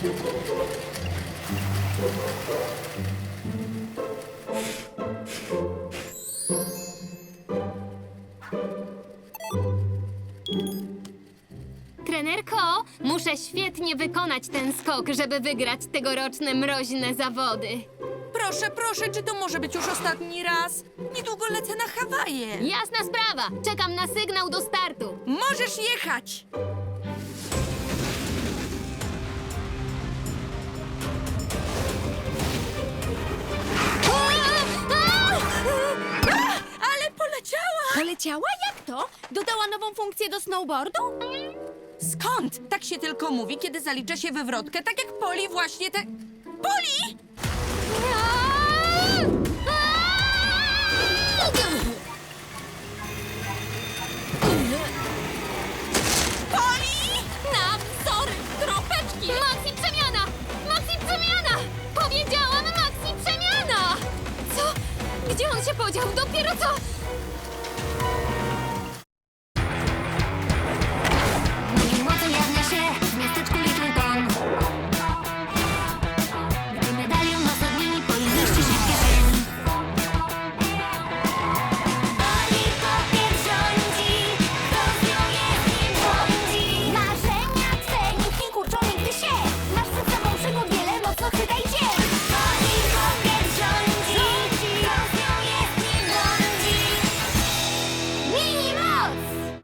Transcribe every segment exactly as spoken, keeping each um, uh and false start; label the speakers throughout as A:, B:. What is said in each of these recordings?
A: Trenerko, muszę świetnie wykonać ten skok, żeby wygrać tegoroczne mroźne zawody.
B: Proszę, proszę, czy to może być już ostatni raz? Niedługo lecę na Hawaje.
A: Jasna sprawa, czekam na sygnał do startu.
B: Możesz jechać! Ale poleciała!
C: Poleciała? Jak to? Dodała nową funkcję do snowboardu?
B: Skąd? Tak się tylko mówi, kiedy zalicza się wywrotkę, tak jak Poli właśnie te... Poli! Poli!
C: Na wzory, kropeczki!
A: Maxi przemiana! Maxi przemiana! Powiedziałam Maxi przemiana! Co? Gdzie on się podział? Dopiero co?
D: Mocy jawnia się w miasteczku Littleton. Gdy medalion nas odmieni, Poli mieści się w kieszeni. Poli papier rządzi, kto z nią jest, nim błądzi. Marzenia twe nikt nie kurczą nigdy się. Masz przed sobą przygód wiele, mocno chwytaj się. Poli papier rządzi, kto z nią jest, nim błądzi. Mini moc!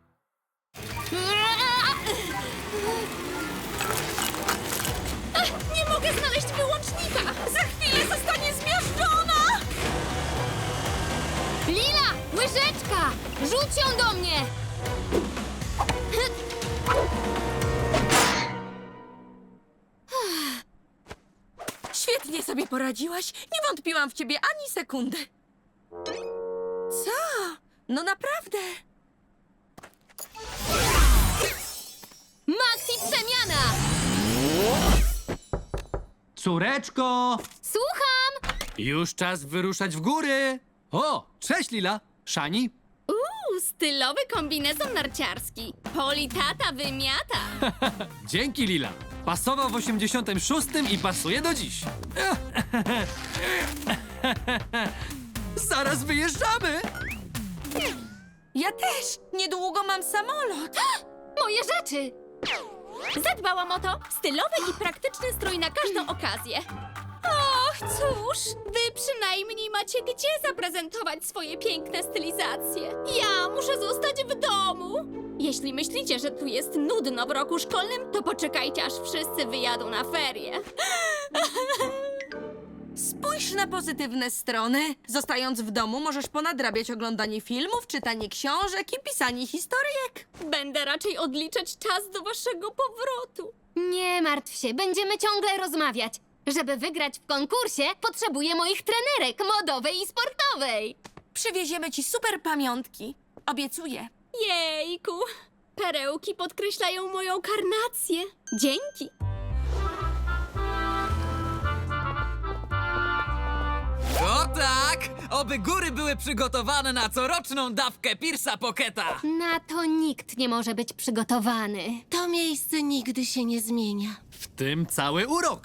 C: Nie mogę znaleźć wyłącznika!
B: Za chwilę zostanie zmiażdżona!
A: Lila! Łyżeczka! Rzuć ją do mnie!
B: Świetnie sobie poradziłaś. Nie wątpiłam w ciebie ani sekundy. Co? No naprawdę.
A: Maxi przemiana!
E: Córeczko!
A: Słucham!
E: Już czas wyruszać w góry! O, cześć Lila! Szani?
C: Uuu, stylowy kombinezon narciarski. Poli tata wymiata.
E: Dzięki Lila! Pasował w osiemdziesiątym szóstym i pasuje do dziś. Zaraz wyjeżdżamy!
B: Ja też. Niedługo mam samolot.
A: Moje rzeczy!
C: Zadbałam o to. Stylowy i praktyczny strój na każdą okazję. Och, cóż, wy przynajmniej macie gdzie zaprezentować swoje piękne stylizacje. Ja muszę zostać w domu. Jeśli myślicie, że tu jest nudno w roku szkolnym, to poczekajcie, aż wszyscy wyjadą na ferie.
B: Spójrz na pozytywne strony. Zostając w domu, możesz ponadrabiać oglądanie filmów, czytanie książek i pisanie historyjek.
C: Będę raczej odliczać czas do waszego powrotu.
A: Nie martw się, będziemy ciągle rozmawiać. Żeby wygrać w konkursie, potrzebuję moich trenerek modowej i sportowej.
B: Przywieziemy ci super pamiątki. Obiecuję.
C: Jejku, perełki podkreślają moją karnację. Dzięki.
F: O tak! Oby góry były przygotowane na coroczną dawkę Pierce'a Pocketa!
A: Na to nikt nie może być przygotowany.
G: To miejsce nigdy się nie zmienia.
E: W tym cały urok!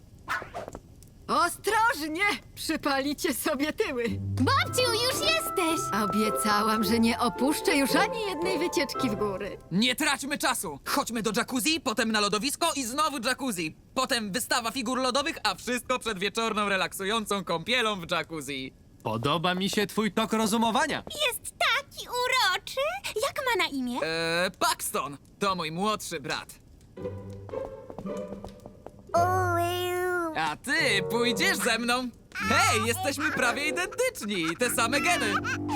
H: Ostrożnie! Przypalicie sobie tyły.
A: Babciu, już jesteś!
H: Obiecałam, że nie opuszczę już ani jednej wycieczki w góry.
F: Nie traćmy czasu! Chodźmy do jacuzzi, potem na lodowisko i znowu jacuzzi. Potem wystawa figur lodowych, a wszystko przed wieczorną, relaksującą kąpielą w jacuzzi.
E: Podoba mi się twój tok rozumowania.
D: Jest taki uroczy. Jak ma na imię?
F: Eee, Paxton! To mój młodszy brat. A ty pójdziesz ze mną? Hej, jesteśmy prawie identyczni! Te same geny!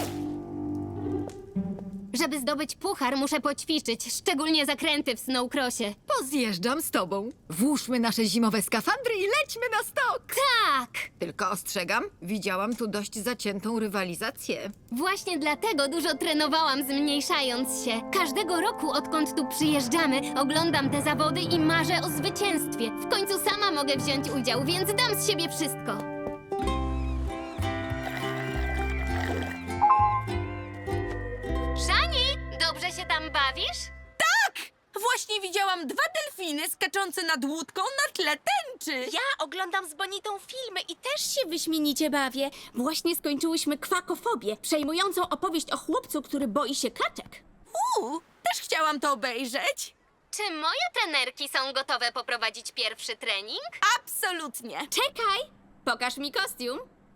A: Żeby zdobyć puchar, muszę poćwiczyć, szczególnie zakręty w snowcrossie.
H: Pozjeżdżam z tobą. Włóżmy nasze zimowe skafandry i lećmy na stok.
A: Tak!
H: Tylko ostrzegam, widziałam tu dość zaciętą rywalizację.
A: Właśnie dlatego dużo trenowałam, zmniejszając się. Każdego roku, odkąd tu przyjeżdżamy, oglądam te zawody i marzę o zwycięstwie. W końcu sama mogę wziąć udział, więc dam z siebie wszystko. Szani, dobrze się tam bawisz?
B: Tak! Właśnie widziałam dwa delfiny skaczące nad łódką na tle tęczy.
C: Ja oglądam z Bonitą filmy i też się wyśmienicie bawię. Właśnie skończyłyśmy Kwakofobię, przejmującą opowieść o chłopcu, który boi się kaczek.
B: Uuu, też chciałam to obejrzeć.
A: Czy moje trenerki są gotowe poprowadzić pierwszy trening?
B: Absolutnie.
C: Czekaj! Pokaż mi kostium.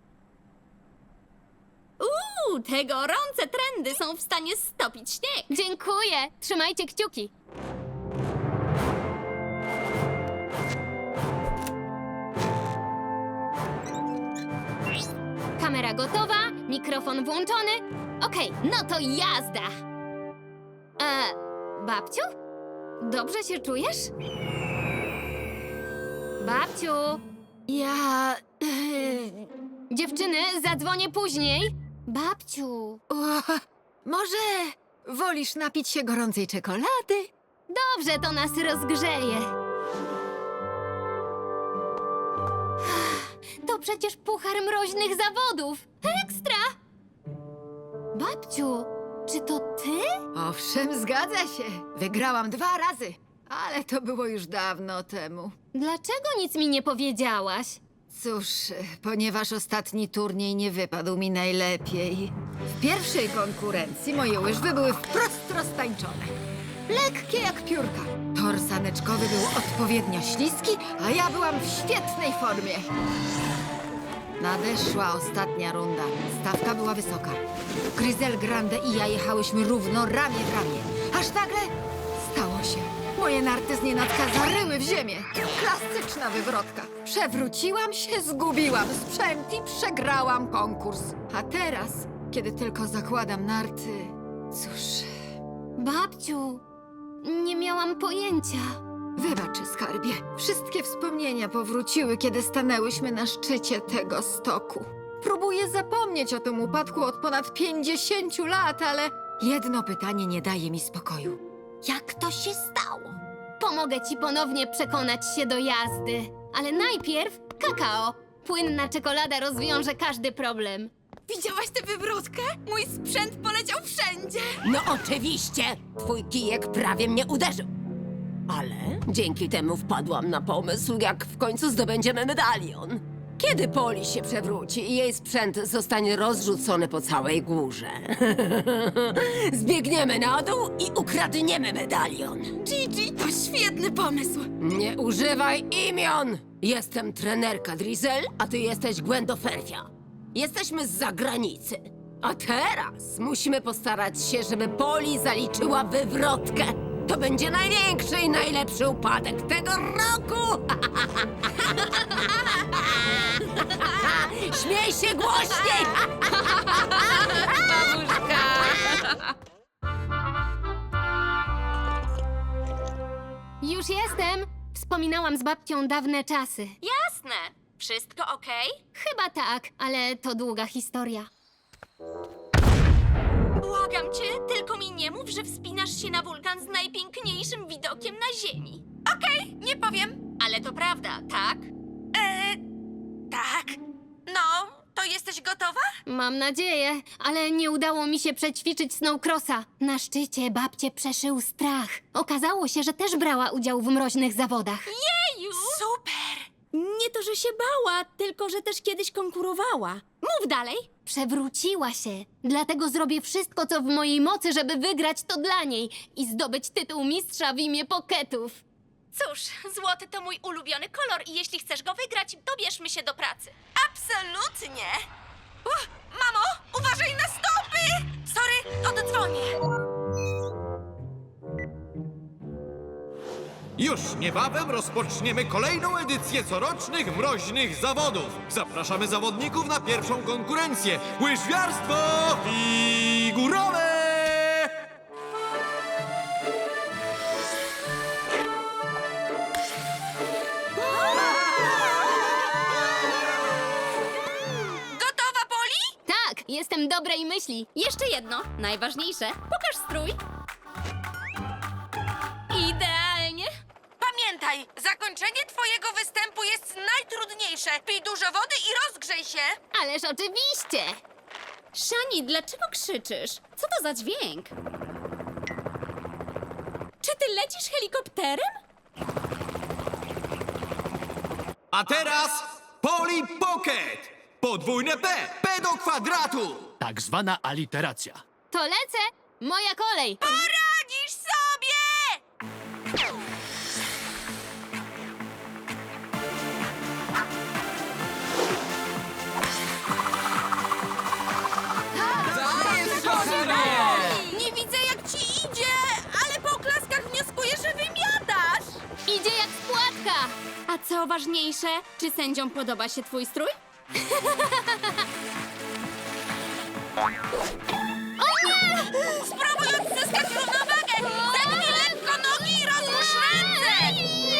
C: Uuu, te gorące trendy są w stanie stopić śnieg.
A: Dziękuję. Trzymajcie kciuki. Kamera gotowa, mikrofon włączony. Okej, no to jazda. E, babciu? Dobrze się czujesz? Babciu!
H: Ja...
A: Dziewczyny, zadzwonię później. Babciu!
H: O, może wolisz napić się gorącej czekolady?
A: Dobrze, to nas rozgrzeje. To przecież puchar mroźnych zawodów. Ekstra! Babciu, czy to ty?
H: Owszem, zgadza się. Wygrałam dwa razy, ale to było już dawno temu.
A: Dlaczego nic mi nie powiedziałaś?
H: Cóż, ponieważ ostatni turniej nie wypadł mi najlepiej. W pierwszej konkurencji moje łyżwy były wprost roztańczone. Lekkie jak piórka. Tor saneczkowy był odpowiednio śliski, a ja byłam w świetnej formie. Nadeszła ostatnia runda. Stawka była wysoka. Gryzel Grande i ja jechałyśmy równo, ramię w ramię. Aż nagle stało się. Moje narty z nienacka zaryły w ziemię. Klasyczna wywrotka. Przewróciłam się, zgubiłam sprzęt i przegrałam konkurs. A teraz, kiedy tylko zakładam narty, cóż...
A: Babciu, nie miałam pojęcia.
H: Wybacz, skarbie. Wszystkie wspomnienia powróciły, kiedy stanęłyśmy na szczycie tego stoku. Próbuję zapomnieć o tym upadku od ponad pięćdziesięciu lat, ale jedno pytanie nie daje mi spokoju. Jak to się stało?
A: Pomogę ci ponownie przekonać się do jazdy. Ale najpierw kakao. Płynna czekolada rozwiąże każdy problem.
B: Widziałaś tę wywrotkę? Mój sprzęt poleciał wszędzie.
G: No oczywiście! Twój kijek prawie mnie uderzył. Ale dzięki temu wpadłam na pomysł, jak w końcu zdobędziemy medalion. Kiedy Poli się przewróci i jej sprzęt zostanie rozrzucony po całej górze. Zbiegniemy na dół i ukradniemy medalion.
B: Gigi, to świetny pomysł.
G: Nie używaj imion! Jestem trenerka Drizel, a ty jesteś Gwendoferfia. Jesteśmy z zagranicy. A teraz musimy postarać się, żeby Poli zaliczyła wywrotkę. To będzie największy i najlepszy upadek tego roku! Śmiej się głośniej!
A: Już jestem. Wspominałam z babcią dawne czasy.
C: Jasne. Wszystko okej?
A: Chyba tak, ale to długa historia.
C: Błagam cię, tylko mi nie mów, że wspinasz się na wulkan z najpiękniejszym widokiem na Ziemi.
B: Okej, nie powiem.
C: Ale to prawda, tak?
B: Eee, tak. No, to jesteś gotowa?
A: Mam nadzieję, ale nie udało mi się przećwiczyć snowcrossa. Na szczycie babcię przeszył strach. Okazało się, że też brała udział w mroźnych zawodach.
C: Jeju!
B: Super.
C: Nie to, że się bała, tylko że też kiedyś konkurowała. Mów dalej.
A: Przewróciła się. Dlatego zrobię wszystko, co w mojej mocy, żeby wygrać to dla niej i zdobyć tytuł mistrza w imię Poketów.
C: Cóż, złoty to mój ulubiony kolor i jeśli chcesz go wygrać, dobierzmy się do pracy.
B: Absolutnie. Uch, mamo, uważaj na stopy. Sorry, oddzwonię.
I: Już niebawem rozpoczniemy kolejną edycję corocznych mroźnych zawodów. Zapraszamy zawodników na pierwszą konkurencję. Łyżwiarstwo figurowe!
B: Gotowa, Poli?
A: Tak, jestem dobrej myśli.
C: Jeszcze jedno, najważniejsze. Pokaż strój. Idealnie.
B: Pamiętaj, zakończenie twojego występu jest najtrudniejsze. Pij dużo wody i rozgrzej się.
A: Ależ oczywiście.
C: Szani, dlaczego krzyczysz? Co to za dźwięk? Czy ty Ty lecisz helikopterem?
I: A teraz Polly Pocket! Podwójne P! P do kwadratu!
E: Tak zwana aliteracja.
A: To lecę! Moja kolej!
B: Poradzisz sobie! Nie widzę, jak ci idzie, ale po oklaskach wnioskuję, że wymiatasz.
A: Idzie jak spłatka!
C: A co ważniejsze, czy sędziom podoba się twój strój?
B: Spróbuj odzyskać równowagę! Zegnij lekko nogi i rozłóż ręce!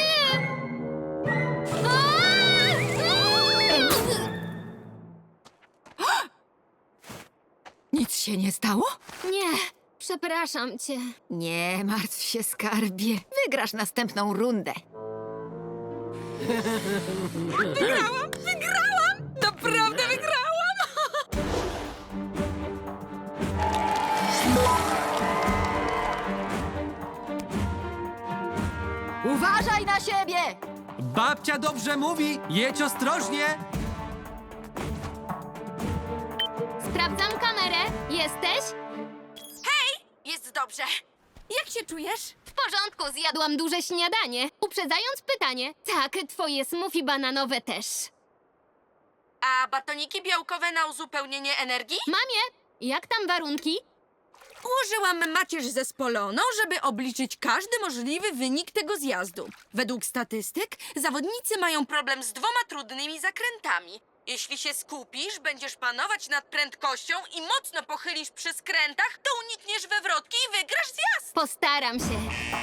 H: Nic się nie stało?
A: Nie, przepraszam cię.
H: Nie martw się, skarbie. Wygrasz następną rundę.
B: Naprawdę wygrałam!
H: Uważaj na siebie!
E: Babcia dobrze mówi, jedź ostrożnie.
A: Sprawdzam kamerę. Jesteś?
B: Jest dobrze. Jak się czujesz?
A: W porządku, zjadłam duże śniadanie. Uprzedzając pytanie, tak, twoje smoothie bananowe też.
B: A batoniki białkowe na uzupełnienie energii?
A: Mamie, jak tam warunki?
B: Ułożyłam macierz zespoloną, żeby obliczyć każdy możliwy wynik tego zjazdu. Według statystyk zawodnicy mają problem z dwoma trudnymi zakrętami. Jeśli się skupisz, będziesz panować nad prędkością i mocno pochylisz przy skrętach, to unikniesz wewrotki i wygrasz zjazd.
A: Postaram się.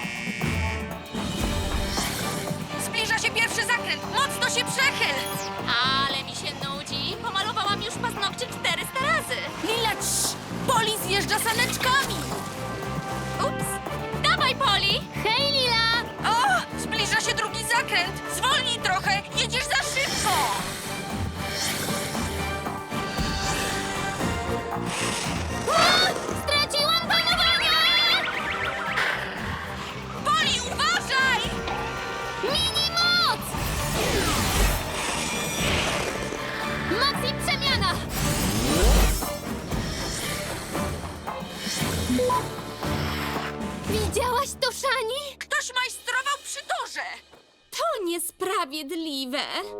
B: Zbliża się pierwszy zakręt, mocno się przechyl!
C: Ale mi się nudzi. Pomalowałam już paznokcie czterysta razy.
B: Lila, cii, Poli zjeżdża saneczkami!
C: Ups. Dawaj, Poli!
A: Hej, Lila!
B: O, zbliża się drugi zakręt! Zwolnij trochę, jedziesz za szybko!
A: Straciłam panowanie!
B: Poli, uważaj!
A: Mini moc! Moc i przemiana! Widziałaś to, Shani?
B: Ktoś majstrował przy torze!
C: To niesprawiedliwe.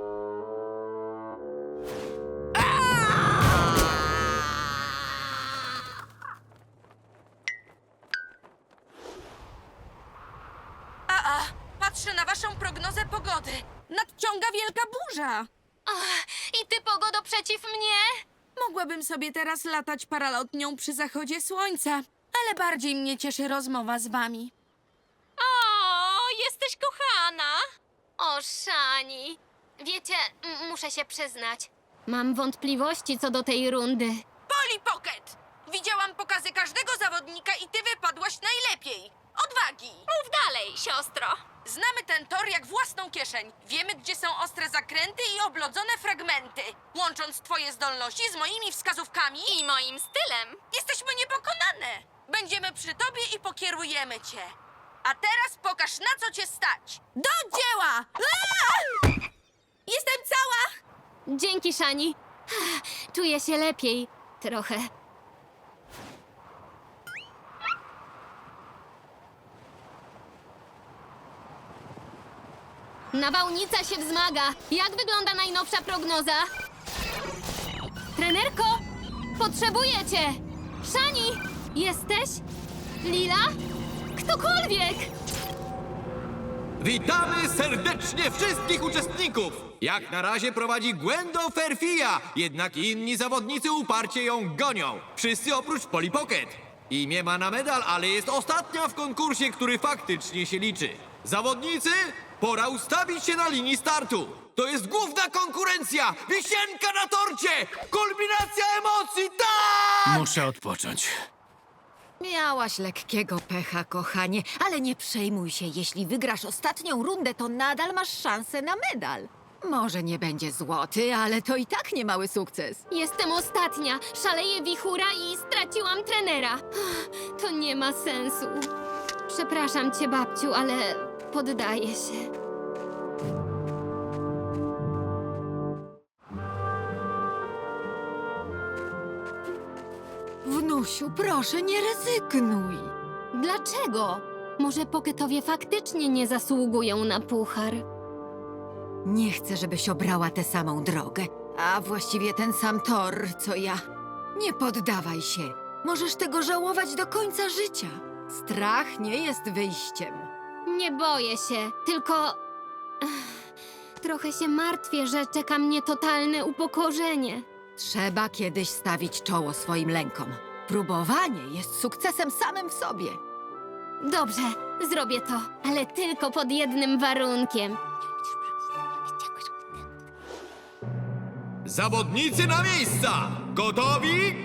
B: A, a, patrzę na waszą prognozę pogody. Nadciąga wielka burza.
A: Ach, I ty, pogodo, przeciw mnie?
B: Mogłabym sobie teraz latać paralotnią przy zachodzie słońca, ale bardziej mnie cieszy rozmowa z wami.
C: O, jesteś kochana.
A: O, Shani. Wiecie, m- muszę się przyznać. Mam wątpliwości co do tej rundy.
B: Poli Pocket! Widziałam pokazy każdego zawodnika i ty wypadłaś najlepiej. Odwagi!
C: Mów dalej, siostro.
B: Znamy ten tor jak własną kieszeń. Wiemy, gdzie są ostre zakręty i oblodzone fragmenty. Łącząc twoje zdolności z moimi wskazówkami,
C: I moim stylem.
B: jesteśmy niepokonane. Będziemy przy tobie i pokierujemy cię. A teraz pokaż, na co cię stać. Do dzieła! Aaa! Jestem cała!
A: Dzięki, Shani. Czuję się lepiej. Trochę. Nawałnica się wzmaga. Jak wygląda najnowsza prognoza? Trenerko, potrzebuję cię. Shani, jesteś? Lila? Ktokolwiek!
I: Witamy serdecznie wszystkich uczestników! Jak na razie prowadzi Gwendo Ferfia, jednak inni zawodnicy uparcie ją gonią. Wszyscy oprócz Polly Pocket. Imię ma na medal, ale jest ostatnia w konkursie, który faktycznie się liczy. Zawodnicy, pora ustawić się na linii startu. To jest główna konkurencja! Wisienka na torcie! Kulminacja emocji, tak!
E: Muszę odpocząć.
H: Miałaś lekkiego pecha, kochanie, ale nie przejmuj się. Jeśli wygrasz ostatnią rundę, to nadal masz szansę na medal. Może nie będzie złoty, ale to i tak niemały sukces.
A: Jestem ostatnia. Szaleje wichura i straciłam trenera. To nie ma sensu. Przepraszam cię, babciu, ale poddaję się.
H: Wnusiu, proszę, nie rezygnuj.
A: Dlaczego? Może Poketowie faktycznie nie zasługują na puchar?
H: Nie chcę, żebyś obrała tę samą drogę, a właściwie ten sam tor, co ja. Nie poddawaj się. Możesz tego żałować do końca życia. Strach nie jest wyjściem.
A: Nie boję się, tylko... Ech, trochę się martwię, że czeka mnie totalne upokorzenie.
H: Trzeba kiedyś stawić czoło swoim lękom. Próbowanie jest sukcesem samym w sobie.
A: Dobrze, zrobię to, ale tylko pod jednym warunkiem.
I: Zawodnicy na miejsca! Gotowi?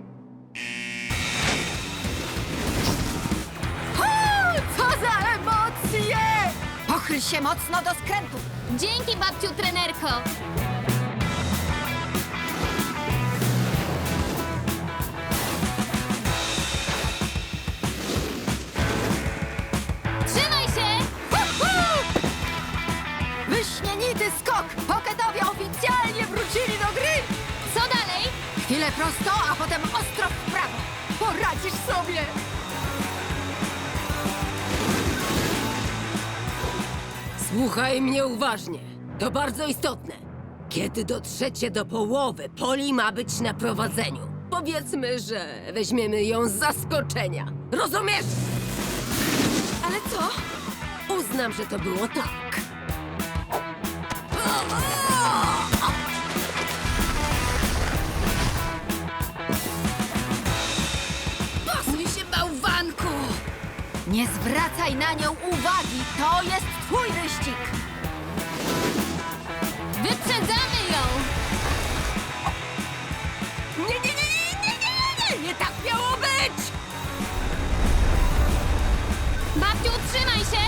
H: Co za emocje! Pochyl się mocno do skrętu.
A: Dzięki, babciu trenerko! Trzymaj się!
H: Wyśmienity skok! Poketowie oficjalnie wrócili do gry!
A: Co dalej?
H: Chwilę prosto, a potem ostro w prawo. Poradzisz sobie!
G: Słuchaj mnie uważnie. To bardzo istotne. Kiedy dotrzecie do połowy, Poli ma być na prowadzeniu. Powiedzmy, że weźmiemy ją z zaskoczenia. Rozumiesz?
C: Ale co?
G: Uznam, że to było tak.
C: Pasuj się, bałwanku!
H: Nie zwracaj na nią uwagi! To jest twój wyścig!
A: Wyprzedzamy ją!
G: Nie, nie, nie, nie, nie, nie, nie, nie tak miało być!
A: Babciu, trzymaj się!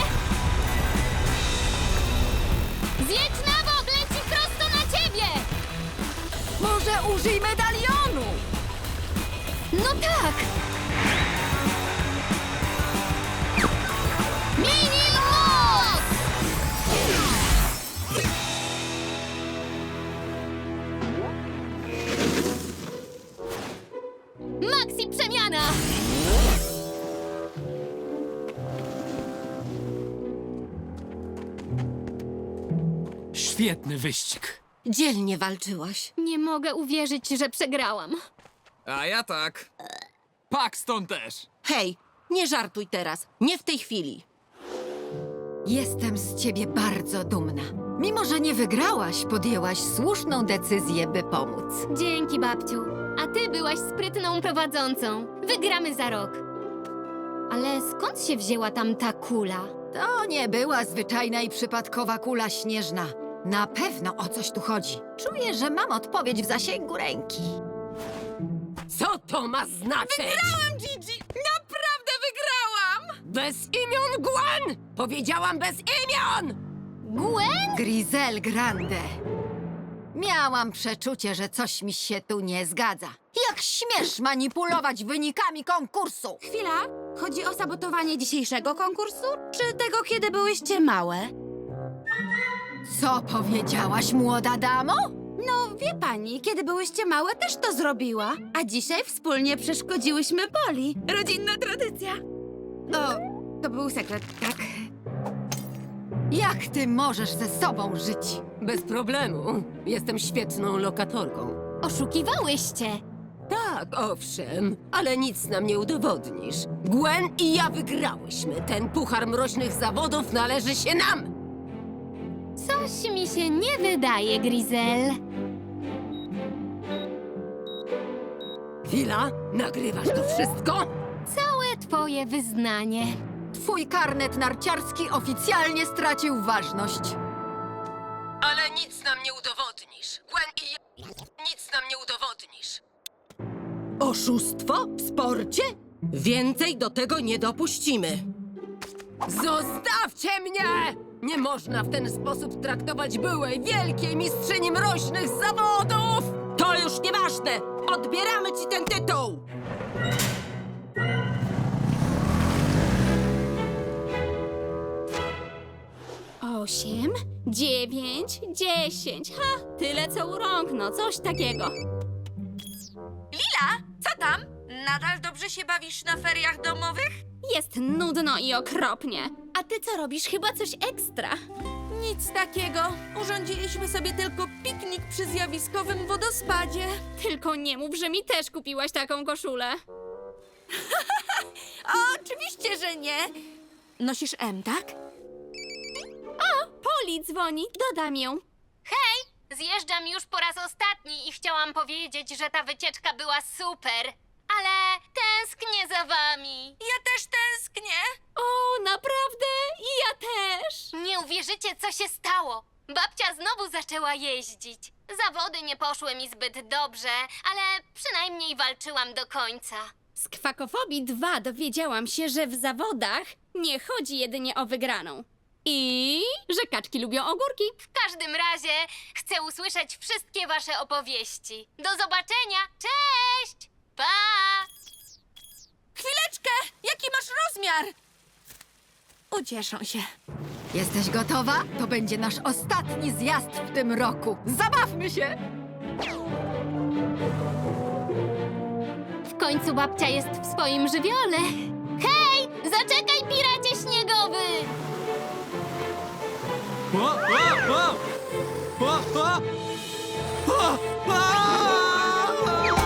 A: Zjedź na bok, leci prosto na ciebie!
H: Może użyj medalionu!
A: No tak! Mini moc! Maxi przemiana!
E: Świetny wyścig.
B: Dzielnie walczyłaś.
A: Nie mogę uwierzyć, że przegrałam.
F: A ja tak. Paxton też.
B: Hej, nie żartuj teraz. Nie w tej chwili.
H: Jestem z ciebie bardzo dumna. Mimo, że nie wygrałaś, podjęłaś słuszną decyzję, by pomóc.
A: Dzięki, babciu. A ty byłaś sprytną prowadzącą. Wygramy za rok. Ale skąd się wzięła tam ta kula?
H: To nie była zwyczajna i przypadkowa kula śnieżna. Na pewno o coś tu chodzi. Czuję, że mam odpowiedź w zasięgu ręki.
G: Co to ma znaczyć?
C: Wygrałam, Gigi! Naprawdę wygrałam!
G: Bez imion, Gwen! Powiedziałam bez imion!
A: Gwen?
H: Grisel Grande. Miałam przeczucie, że coś mi się tu nie zgadza. Jak śmiesz manipulować wynikami konkursu?
C: Chwila, chodzi o sabotowanie dzisiejszego konkursu, czy tego, kiedy byłyście małe?
H: Co powiedziałaś, młoda damo?
C: No, wie pani, kiedy byłyście małe, też to zrobiła. A dzisiaj wspólnie przeszkodziłyśmy Poli. Rodzinna tradycja. O, to był sekret, tak?
H: Jak ty możesz ze sobą żyć?
G: Bez problemu. Jestem świetną lokatorką.
A: Oszukiwałyście.
G: Tak, owszem, ale nic nam nie udowodnisz. Gwen i ja wygrałyśmy. Ten puchar mroźnych zawodów należy się nam.
A: Coś mi się nie wydaje, Grisel.
G: Chwila, nagrywasz to wszystko?
A: Całe twoje wyznanie.
H: Twój karnet narciarski oficjalnie stracił ważność.
G: Ale nic nam nie udowodnisz. Gwen i ja... Nic nam nie udowodnisz.
B: Oszustwo w sporcie? Więcej do tego nie dopuścimy.
G: Zostawcie mnie! Nie można w ten sposób traktować byłej wielkiej mistrzyni mroźnych zawodów!
B: To już nieważne! Odbieramy ci ten tytuł!
C: osiem, dziewięć, dziesięć. Ha, tyle co u rąk, no coś takiego.
B: Lila, co tam? Nadal dobrze się bawisz na feriach domowych?
C: Jest nudno i okropnie. A ty co robisz? Chyba coś ekstra.
B: Nic takiego. Urządziliśmy sobie tylko piknik przy zjawiskowym wodospadzie.
C: Tylko nie mów, że mi też kupiłaś taką koszulę.
B: Oczywiście, że nie. Nosisz M, tak?
C: Poli dzwoni, dodam ją.
A: Hej! Zjeżdżam już po raz ostatni i chciałam powiedzieć, że ta wycieczka była super. Ale tęsknię za wami.
B: Ja też tęsknię.
C: O, naprawdę? I ja też.
A: Nie uwierzycie, co się stało. Babcia znowu zaczęła jeździć. Zawody nie poszły mi zbyt dobrze, ale przynajmniej walczyłam do końca.
C: Z Kwakofobii dwa dowiedziałam się, że w zawodach nie chodzi jedynie o wygraną. I że kaczki lubią ogórki.
A: W każdym razie chcę usłyszeć wszystkie wasze opowieści. Do zobaczenia! Cześć! Pa!
B: Chwileczkę! Jaki masz rozmiar? Ucieszą się.
H: Jesteś gotowa? To będzie nasz ostatni zjazd w tym roku. Zabawmy się!
A: W końcu babcia jest w swoim żywiole. Hej! Zaczekaj, piracie śniegowy!
E: O, o, o! O, o! O, o!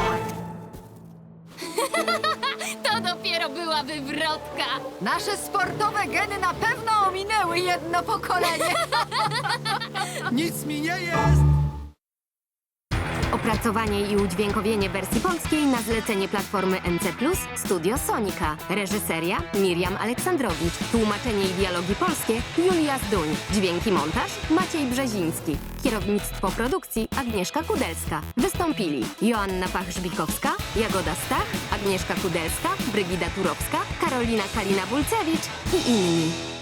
A: To dopiero była wywrotka.
H: Nasze sportowe geny na pewno ominęły jedno pokolenie.
E: Nic mi nie jest!
J: Opracowanie i udźwiękowienie wersji polskiej na zlecenie platformy N C plus, Studio Sonika. Reżyseria Miriam Aleksandrowicz. Tłumaczenie i dialogi polskie Julia Zduń. Dźwięki montaż Maciej Brzeziński. Kierownictwo produkcji Agnieszka Kudelska. Wystąpili Joanna Pach-Żbikowska, Jagoda Stach, Agnieszka Kudelska, Brygida Turowska, Karolina Kalina-Bulcewicz i inni.